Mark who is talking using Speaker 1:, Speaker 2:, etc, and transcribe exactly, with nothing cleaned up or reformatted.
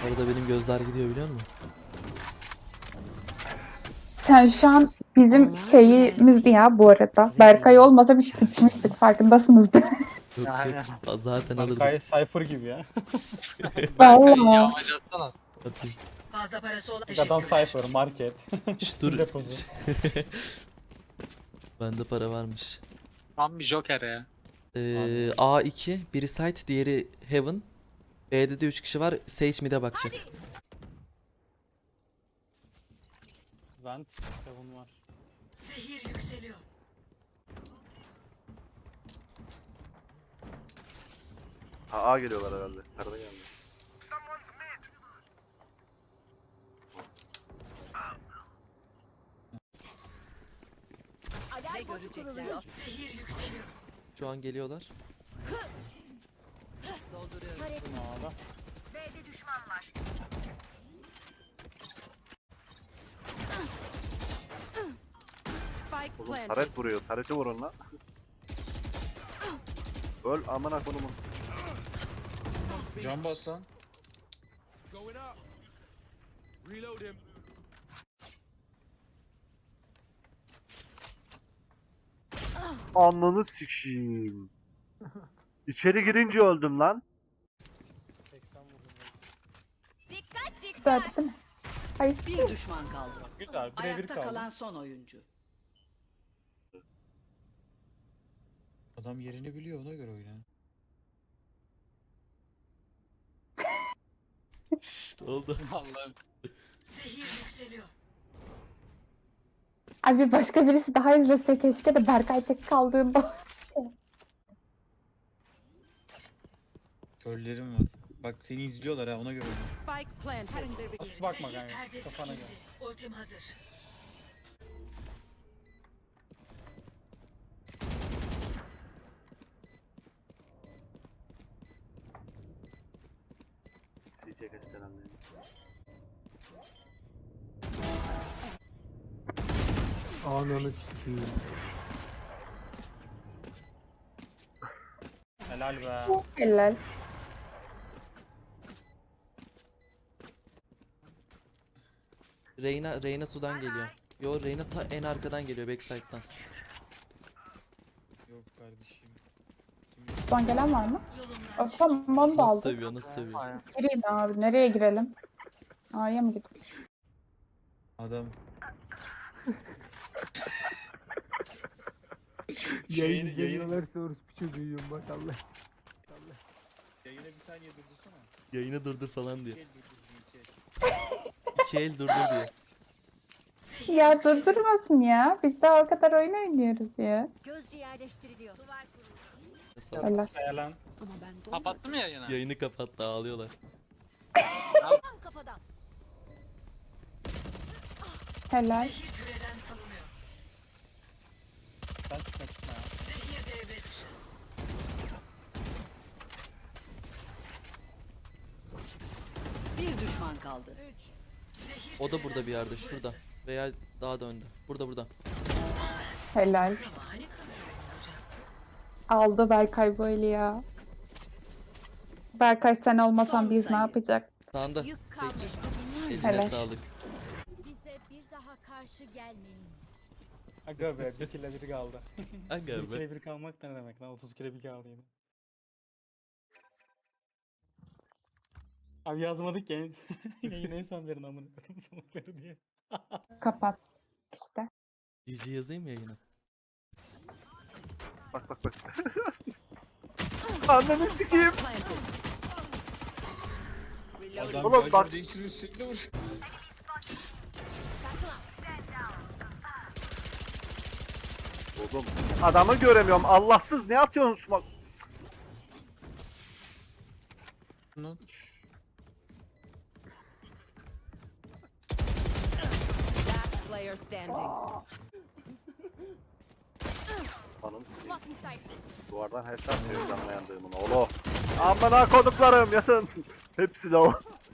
Speaker 1: Arada benim gözler gidiyor biliyor musun?
Speaker 2: Sen şu an bizim şeyimizdi ya bu arada. Berkay olmasa biz sıçmıştık farkındasınızdır.
Speaker 1: Yok
Speaker 3: Aynen.
Speaker 1: yok. Zaten alırdım.
Speaker 4: Berkay Cypher gibi ya.
Speaker 3: Berkay
Speaker 2: Vallahi.
Speaker 3: yağmacı atsana.
Speaker 1: Hadi.
Speaker 5: Fazla parası olan
Speaker 4: Adam Cypher, market.
Speaker 1: Şş, dur.
Speaker 4: Deposu.
Speaker 1: Bende para varmış.
Speaker 3: Tam bir Joker ya.
Speaker 1: Ee, A iki, biri site, diğeri heaven. B'de de üç kişi var. Sage mid'e bakacak.
Speaker 4: Vent, Kevin var.
Speaker 5: zehir yükseliyor.
Speaker 6: A, A geliyorlar herhalde. Karada geldi.
Speaker 5: Ne görecekler? Zehir yükseliyor.
Speaker 1: Şu an geliyorlar.
Speaker 5: Dolduruyorum.
Speaker 4: A'da.
Speaker 5: Spike
Speaker 6: Oğlum
Speaker 5: planted.
Speaker 6: taret vuruyor. Tareti vurun lan. Öl amına konumun.
Speaker 7: Can bas lan.
Speaker 8: Going up. Reload him.
Speaker 6: Ananı sikşiyim. İçeri girince öldüm lan.
Speaker 4: seksen vurdum.
Speaker 2: Gördük değil mi? Hayır.
Speaker 9: Bir düşman kaldı.
Speaker 4: Güzel, birebir
Speaker 9: Ayakta
Speaker 4: kaldı.
Speaker 9: kalan son oyuncu.
Speaker 7: Adam yerini biliyor, ona göre oyna.
Speaker 1: Şşt oldu.
Speaker 3: Vallahi.
Speaker 5: Zehir yükseliyor.
Speaker 2: Abi başka birisi daha izlese keşke de Berkay tek kaldığında.
Speaker 7: Körlerim var. Bak seni izliyorlar ha, ona göre oyna.
Speaker 5: Spike planted.
Speaker 4: Hafif bakma
Speaker 5: Zehir
Speaker 4: kanka,
Speaker 5: perdesi
Speaker 4: kafana
Speaker 5: indi.
Speaker 4: gel.
Speaker 5: Ultim hazır.
Speaker 6: C C kaç tane anlayayım.
Speaker 10: Ananı sikeyim.
Speaker 4: Helal be.
Speaker 2: Helal.
Speaker 1: Reyna, Reyna sudan geliyor. Yo Reyna ta en arkadan geliyor backside'dan.
Speaker 7: Yok kardeşim.
Speaker 2: Son gelen var mı?
Speaker 5: Yolumdan
Speaker 2: O, tamam onu da
Speaker 1: Nasıl
Speaker 2: aldık.
Speaker 1: seviyor nasıl seviyor.
Speaker 3: Aynen.
Speaker 2: Gireyim abi. Nereye girelim? A'ya mı gidelim?
Speaker 7: Adam.
Speaker 10: Yayın
Speaker 7: Yayını-
Speaker 10: izleniyorlarsa orospu çocuğu yiyorum bak Allah aşkına. Allah.
Speaker 7: Yayına bir saniye durdursana.
Speaker 1: Yayını durdur falan diyor.
Speaker 7: Gel durdur bir
Speaker 1: İki el durdur diyor.
Speaker 2: Ya durdurmasın ya. Biz daha o kadar oyun oynuyoruz ya.
Speaker 9: Gözcü yerleştiriliyor.
Speaker 1: Mesela
Speaker 2: Helal.
Speaker 4: Helal.
Speaker 9: Ama ben
Speaker 3: Kapattın mı yayını?
Speaker 1: yayını kapattı ağlıyorlar.
Speaker 9: Tam kafadan.
Speaker 2: Helal.
Speaker 5: zehir küreden salınıyor.
Speaker 4: Sen çıkma çıkma ya.
Speaker 5: Zehir devre dışı.
Speaker 9: Bir düşman kaldı.
Speaker 5: Zehir
Speaker 1: O da
Speaker 5: küreden
Speaker 1: burada bir yerde
Speaker 5: salınıyor.
Speaker 1: şurada. Veya daha da önde. Burada burada.
Speaker 2: Helal.
Speaker 5: Zamani kalıyor.
Speaker 2: Aldı Berkay böyle ya. Berkay sen olmasan
Speaker 9: Son
Speaker 2: biz ne
Speaker 9: sayı.
Speaker 2: yapacak?
Speaker 1: Sağında.
Speaker 9: Yük
Speaker 1: Sage.
Speaker 9: kalmıştı.
Speaker 1: Eline
Speaker 2: Helal.
Speaker 1: sağlık.
Speaker 9: Bize bir daha karşı gelmeyin.
Speaker 4: Aga be, bir kille biri kaldı.
Speaker 1: Aga
Speaker 4: Bir
Speaker 1: be.
Speaker 4: kille bir kalmak da ne demek lan? otuz kille bir kaldı yine. Abi yazmadık ya. Yayın en son verin amına koydum salakları diye.
Speaker 2: Kapat. İşte.
Speaker 1: Cici yazayım mı yayına?
Speaker 6: Bak bak bak. Ananı sikeyim.
Speaker 7: Adam
Speaker 6: Oğlum
Speaker 7: Oğlum,
Speaker 6: bak-
Speaker 7: değiştirir sürekli vur.
Speaker 6: Oğlum adamı göremiyorum. Allahsız ne atıyorsun şu bak.
Speaker 7: Lan.
Speaker 5: Last player standing.
Speaker 6: Ananı sikeyim. Duvardan hesap diyor canlı yandığımın oğlu. Amına koduklarım yatın. Hepsi de o.